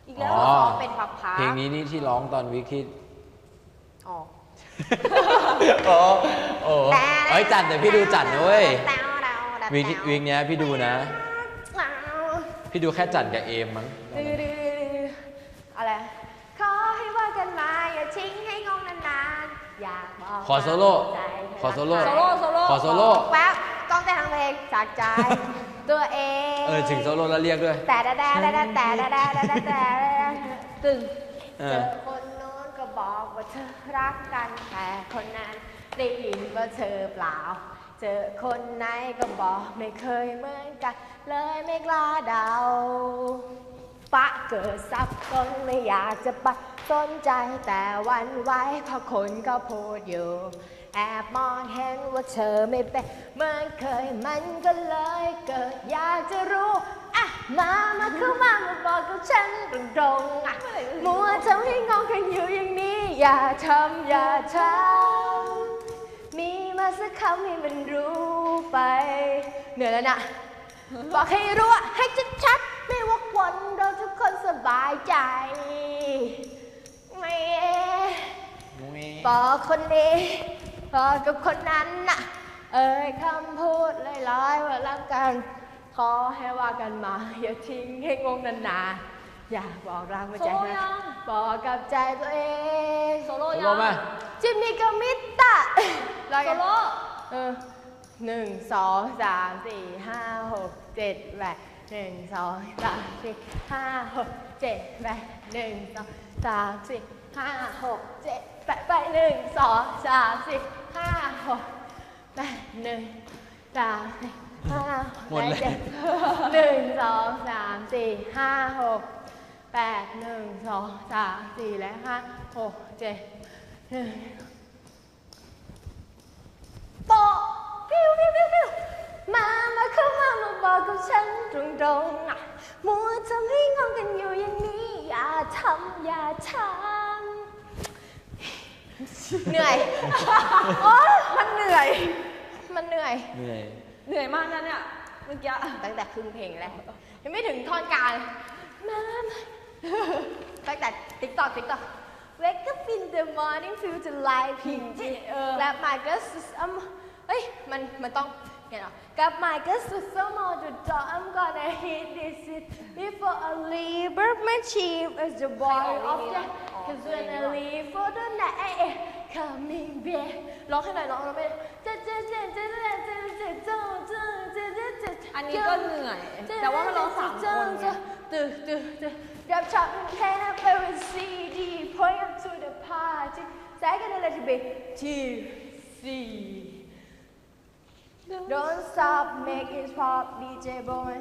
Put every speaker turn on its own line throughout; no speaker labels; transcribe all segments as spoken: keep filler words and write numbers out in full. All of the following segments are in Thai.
อีกแล้ว
อ๋อ
ซ้อมเป็นพับพับ
เพลงนี้นี่ที่ร้องตอนวิกที่
อ๋อ
โอ้โอ้เอ้ยจัดเดี๋ยวพี่ดูจัดนะเว้ยวิกวิกเนี้ยพี่ดูนะ พี่ดูแค่จัดกับเอมมั้ง
อะไรขอให้ว่ากันมาอย่าทิ้งให้งงนานๆอยากบอก
ขอโซโล่ขอโซโล่
โซโล่โซโล่
ขอโซโล่
แป๊บต้องแต่งเพลงจากใจตัวเอง
เออถึงโซโล่แล้วเรียกด้วย
แต่แต่แต่แต่แต่แต่แต่แต่ตึง
เอ
เจ
อ
อคนโน้นก็บอกว่าเธอรักกันแต่คนนั้นได้ยินว่าเธอเปล่า เจอคนไหนก็บอกไม่เคยเหมือนกันเลยไม่กล้าเดาปะเกิดซับซ้อนไม่อยากจะไปสนใจแต่วันไว้เพราะคนก็พูดอยู่แอบมองเห็นว่าเธอไม่เป็นเหมือนเคยมันก็เลยเกิดอยากจะรู้อ่ะมามาเข้ามามาบอกกับฉันตรงๆอ่ะมัวทำให้งงกันอยู่อย่างนี้อย่าทำอย่าทำมีมาสักคำให้มันรู้ไปเหนื่อยแล้วนะบอกให้รู้ให้ชัดๆไม่วกวนเราทุกคนสบายใจไม่บอกคนนี้บอกกับคนนั้นน่ะเอ่ยคำพูดลอยๆว่ารักกันขอให้ว่ากันมาอย่าทิ้งให้งงนานๆอย่าบอกรักไม่ใจนะบอกกับใจตัวเองโซโล่
โซโล่ไหม
จิมมี่กับมิตตะโซโล่เออหนึ่งสองสามสี่ห้าหกเจ็ดแปดหนึ่งสองสามสี่ห้าหกเจ็ดแปดหนึ่งสองสามสี่ห้าหกเจ็ดแปดไปหนึ่งสองสามสี่ห้าหกแปดหนึ่งสามสี่ห้าหกเจ็ดหนึ่งสองสามสี่ห้าหกแปดหนึ่งสองสามสี่และห้าหกเจ็ดหนึ่งโปะพิวพิวพิวพิวมามาเข้ามามาบอกกับฉันตรงๆอ่ะมัวทำให้งงกันอยู่อย่างนี้อย่าทำอย่าทำเหนื่อยโอ๊ยมันเหนื่อยมันเหนื่อย
เหนื่อย
เหนื่อยมากนะเนี่ยเมื่อกี้ตั้งแต่ครึ่งเพลงแล้วยังไม่ถึงท่อนกลางมาตั้งแต่ติ๊กต็อกติ๊กต็อก Wake up in the morning feel the light พิงจิและ my girl um เฮ้ยมันมันต้องเนี่ยเนาะกับ my girl some more the door I'm gonna hit this it before I leave but my chief is the boy of the cause when I leave for the night coming back ร้องให้หน่อยร้องแล้วไม่เจ๊เจ๊เจ๊เจ๊เจ๊เจ๊เจ๊เจ๊เจ๊เจ๊เจ๊เจ๊อันนี้ก็เหนื่อยแต่ว่ามันร้องสามคนไงตึ๊ดตึ๊ดตึ๊ดGrab chop and have a C D point up to the party second let it be T C Don't stop make it pop ดี เจ boy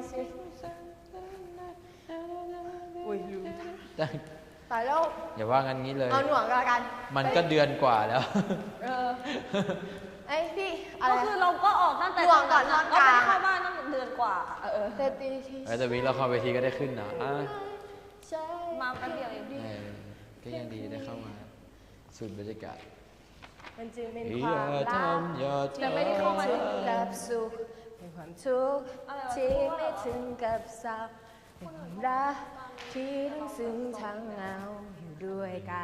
อุ้ยลืมตายแล้ว
อย่าว่างั้นงี้เลย
เอาหน่วงกันละกัน
มันก็เดือนกว่าแล้ว
เออไอ้พี่อะไร
ก็คือเราก็ออกตั้งแต่
หน่วงก่อน
เรา
ตอนก
ไม่
ลาง
ได้เข้าบ้านตั้งแต่เดือนกว่า เออ
แต่ตีที่
เออแต่วิกเราเข้าเวทีก็ได้ขึ้นนะอ่ะ
ใช่
มาแป๊บเดียวเอง
เออก็ยังดีได้เข้ามาสูดบรรยากาศ
มันจึงเป็น
อ
ควา
ย่าม
รัก
ทำอย่าทำ
แต่ไม่ได้เข้ามา
ถึงกับสุขเป็นความทุกข์ที่ไม่ถึงกับเศร้าเป็นความรักที่ทั้งซึ้งทั้งเหงาอยู่ด้วยกัน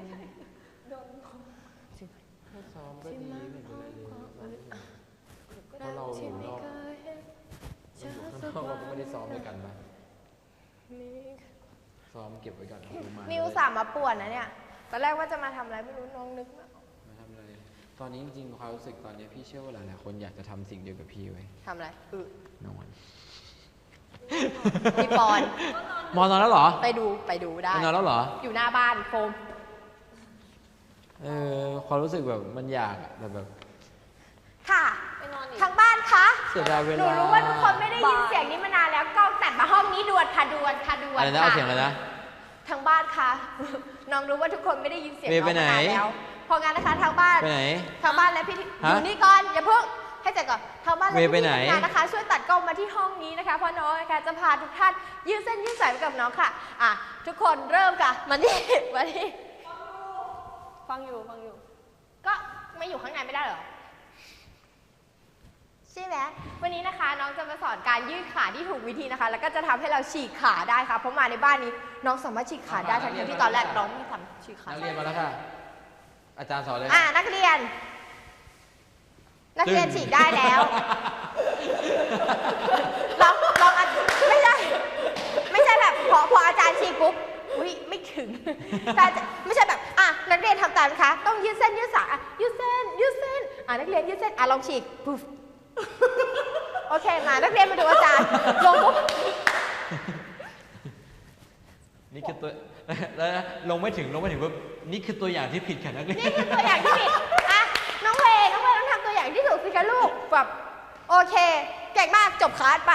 ซ้อมก็ดีไม่เป็นไรเลยเพราะเราอยู่นอกเราอยู่ข้างนอกเราก็ไม่ได้ซ้อมด้วยกันนะซ้อมเก็บไว้ก่อนเอามา
นิวสามมาป่วนนะเนี่ยตอนแรกว่าจะมาทำอะไรไม่รู้น้องนึกไม่ออก
มาทำอะไรตอนนี้จริงๆความรู้สึกตอนนี้พี่เชื่อว่าหลายๆคนอยากจะทำสิ่งเดียวกับพี่ไว้
ทำอะไรอึ
นอน
พี่ปอน
มอนอนแล้วเหรอ
ไปดูไปดูได้
ไปนอนแล้วเหรอ
อยู่หน้าบ้านโฟม
เออความรู้สึกแบบมันอยากอะแต่แบบ
ค่ะ
ไปนอนอีก
ทางบ้านคะ
เสียดายเว
หนู
ลา
รู้ว่าทุกคนไม่ได้ยินเสียงนี้มานานแล้วกล้องตัดมาห้องนี้ด่วนค่ะด่วนค่ะด่วน
อะไรนะ
ค่ะ
เอาเสียงอะไรนะ
ทางบ้านคะ น้องรู้ว่าทุกคนไม่ได้ยินเสียง
เมย์
น้อง
ไปไหน
มานานแล้วเพราะงั้นนะคะทางบ้าน
ไปไหน
ทางบ้านและพี่ที่อ
ฮะ
ยู่นี่ก่อนอย่าเพิ่งให้เสร็จก่อนทางบ้านและ
เมย์
พี่
ไป
ที่
ไหน
ทำงานนะคะ ช่วยตัดกล้องมาที่ห้องนี้นะคะเพราะน้องนะคะจะพาทุกท่านยืดเส้นยืดสายไปกับน้องค่ะอ่ะทุกคนเริ่มค่ะมานี่ มานี่
ฟังอยู่ฟังอยู่
ก็ไม่อยู่ข้างในไม่ได้เหรอใช่ไหมวันนี้นะคะน้องจะมาสอนการยืดขาที่ถูกวิธีนะคะ แล้วก็จะทำให้เราฉีกขาได้ค่ะเพราะมาในบ้านนี้น้องสามารถฉีกขาได้ทั้งที่ตอนแรกน้องไม่ทำฉีกขา
นักเรียนมาแล้วค่ะ อาจารย์สอนเลย
อ่ะนักเรียน นักเรียนฉีกได้แล้วลองลองอ่ะไม่ใช่ไม่ใช่แบบพอพออาจารย์ฉีกปุ๊บอุ้ยไม่ถึงแต่ไม่ใช่แบบอ่ะนักเรียนทำตามนะคะต้องยืดเส้นยืดสายอ่ะยืดเส้นยืดเส้นอ่ะนักเรียนยืดเส้นอ่ะลองฉีกปุ๊บโอเคมานักเรียนมาดูอาจารย์ลงปุ๊บ
นี่คือตัว แล้วนะลงไม่ถึงลงไม่ถึงปุ๊บนี่คือตัวอย่างที่ผิดค่ะนักเรียน
นี่คือตัวอย่างที่ผิดอ่ะน้องเวย์น้องเวย์ต้องทำตัวอย่างที่ถูกสิคะลูกแบบโอเคเก่งมากจบคลาสป่ะ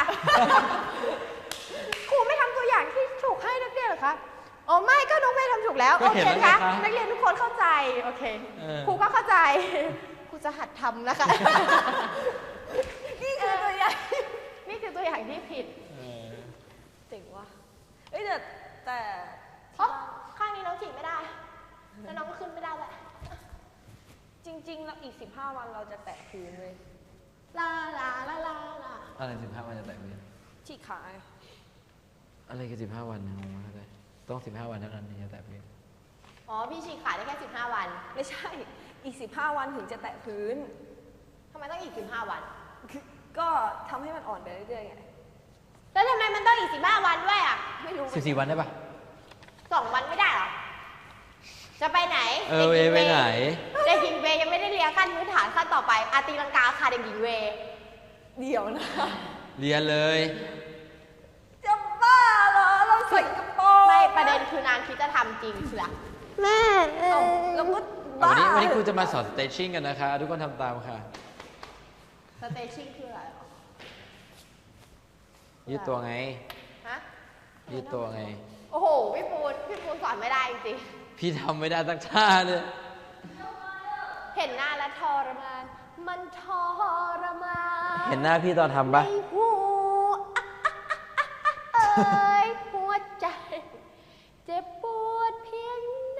ครูไม่ทำตัวอย่างที่ถูกให้นักเรียนเหรอคะอ๋อไม่ก็น้องเวย์ทำถูกแล้ว
ก็
โอ
เห็น
เค
แล้วไง
คะ
คะ
นักเรียนทุกคนเข้าใจโอเค
เออ
ครูก็เข้าใจครูจะหัดทำนะคะ
นี่คือตัวอย่าง
นี่คือตัวอย่างที่ผิด
เออ
เจ๋งว่ะเอ้ยแต่แต่
เพราะข้างนี้น้องฉีกไม่ได้แล้วน้องก็ขึ้นไม่ได้แหละ
จริงๆแล้วอีกสิบห้าวันเราจะแตะพื้นเลย
ลาลาลาลาลา
อะไรสิบห้าวันจะแตะมือ
ฉีกขาไง
อะไรคือสิบห้าวันงงมากเลยต้องสิบห้าวันเท่านั้นถึงจะแตะมือ
อ๋อพี่ฉีกขาได้แค่สิบห้าวัน
ไม่ใช่อีกสิบห้าวันถึงจะแตะพื้น
ทำไมต้องอีกสิบห้าวัน
ก็ทำให้มันอ่อนไปเรื่อยๆไง
แล้วทำไมมันต้องอีกสิบห้าวันด้วยอ่ะไม่รู้
สิบสี่วันได้ปะ
สองวันไม่ได้เหรอ จะไปไหน
เออเวย์ไปไหน
เด็กหญิงเวย์ยังไม่ได้เรียนขั้นพื้นฐานขั้นต่อไปอาตีลังกาค่ะเด็กหญิงเวย์
เดี๋ยวนะ
เรียนเลย
จะบ้าเหรอเราใส่กระโปรง
ไม่ประเด็นคือนางคิดจะทำจริงเชียวแม่
เอ้าแล้วก็
วัน
บ้า
นี้วันนี้ครูจะมาสอนสเตชิ่งกันนะคะ ทุกคนทำตามค่ะ
สเตชิ่งคืออะไรหรอ
ยืดตัวไง
ฮะ
ยืดตัวไง
โอ้โหพี่ปูนพี่ปูนสอนไม่ได้จริง
พี่ทำไม่ได้สักท่าเลย
ๆเห็นหน้าแล้วทรมานมันทรมาน
เห็นหน้าพี่ตอนทำปะ
ในหัวเอ้ยหัวใจ เจ็บปวดเพียงไหน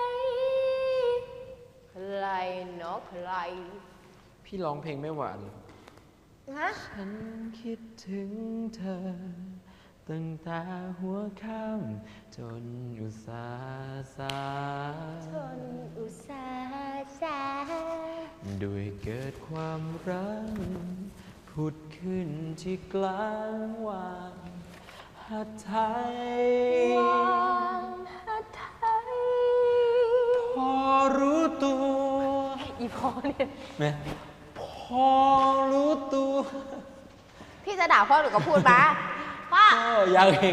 ใครเนาะใคร
พี่ร้องเพลงไม่หวาน
ฮะ
ฉันคิดถึงเธอ ตั้งแต่หัวค่ำจนอุตสาห์สา
ทนอุตสาห์สา
ด้วยเกิดความรักผุดขึ้นที่กลางวานหัดไทยว
างหัดไทย
พอรู้ตัว
อีพอเนี่ย
แม่พอรู้ตัว
พี่จะด่าพ่อหรือก็พูดมาพ่อ
ก็ยังอีก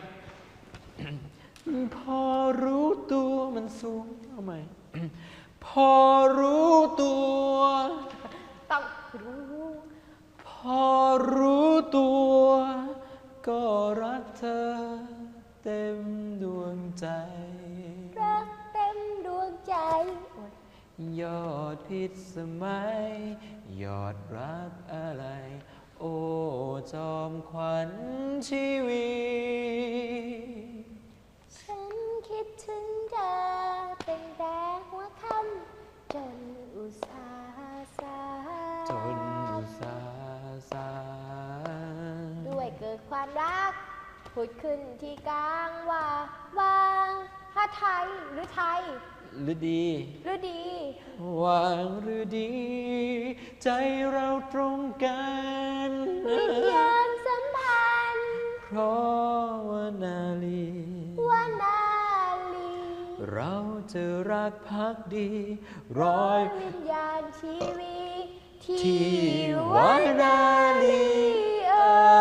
พอรู้ตัวมันสูงเอาใหม่ พอรู้ตัว
ต้องรู้
พอรู้ตัว ก็รักเธอเต็มดวงใจ
รักเต็มดวงใจ
ยอดพิษสมัย ยอดรักอะไร โอ้จอมขวัญชีวิต
ฉันคิดถึงเธอเป็นแต่หัวค่ำจนอุตสาห์สา
จนอุตสาห์สา
ด้วยเกิดความรักผุดขึ้นที่กลางว่าวางถ้าไทยหรือไทย
หรือดี
หรือดี
วางหรือดี ใจเราตรงกัน
วิญญาณสัมพันธ์
เพราะว่านาลี
วานาลี
เราจะรักพักดีร้อย
วิญญาณชีวิต
ที่
ที่
วาว
า
นา
นา
ลี
ลีเอ
เอ่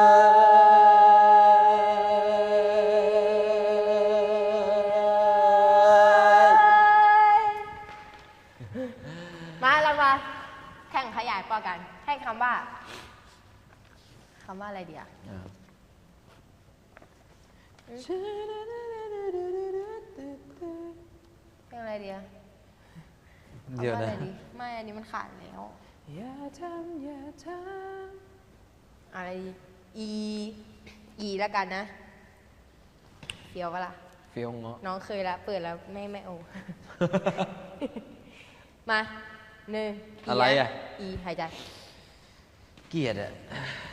ยมาเรามาแข่งขยายปอกันให้คำว่าคำว่าอะไรดีอะ
อ่ะ
เพลงอะไรดีอะ
เดี๋ยว
คำว่า
นะ
อะไรดีไม่อันนี้มันขาดแล้ว
อย่าทำอย่าท
อะไรดี e e แล้วกันนะเดี๋ยวปะล่ะ
ำฟิลเงาะ
น้องเคยแล้วเปิดแล้วไม่ไม่โอ มาหนึ่ง
อะไรอ่ะ
อีหายใจ
เกลียดอะ